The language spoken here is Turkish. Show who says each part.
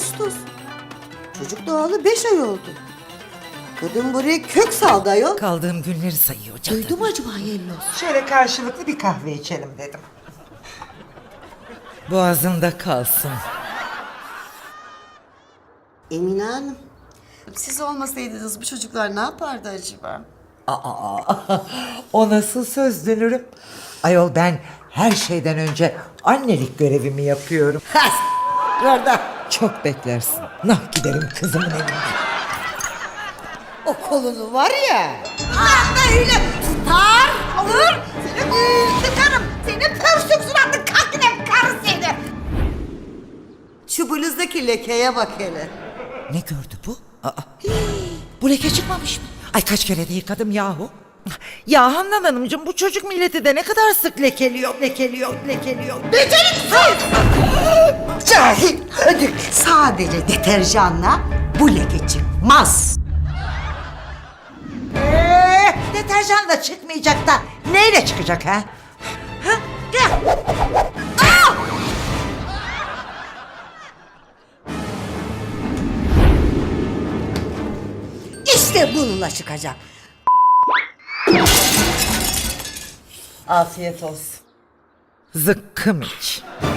Speaker 1: Ağustos. Çocuk doğalı 5 ay oldu. Kadın buraya kök saldı ayol.
Speaker 2: Kaldığım günleri sayıyor cadı.
Speaker 1: Duydu mu acaba Yellos?
Speaker 3: Şöyle karşılıklı bir kahve içelim dedim.
Speaker 2: Boğazında kalsın.
Speaker 1: Emine Hanım, siz olmasaydınız bu çocuklar ne yapardı acaba?
Speaker 2: O nasıl söz dönürüm? Ayol ben her şeyden önce annelik görevimi yapıyorum.
Speaker 1: Orada.
Speaker 2: Çok beklersin. Nah giderim kızımın evine.
Speaker 1: O kolunu var ya. Böyle tutar, alır. Seni tıkarım. Seni pörsük suratlı kakine karı seni. Şu bluzdaki lekeye bak hele.
Speaker 2: Ne gördü bu? Bu leke çıkmamış mı? Ay kaç kere de yıkadım yahu. Ya Handan Hanımcığım bu çocuk milleti de ne kadar sık lekeliyor.
Speaker 1: Beceriksiz! Cahil, ödük. Sadece deterjanla bu leke çıkmaz.
Speaker 2: Deterjanla çıkmayacak da neyle çıkacak ha?
Speaker 1: Gel. İşte bununla çıkacak.
Speaker 2: Afiyet olsun. Zıkkım iç.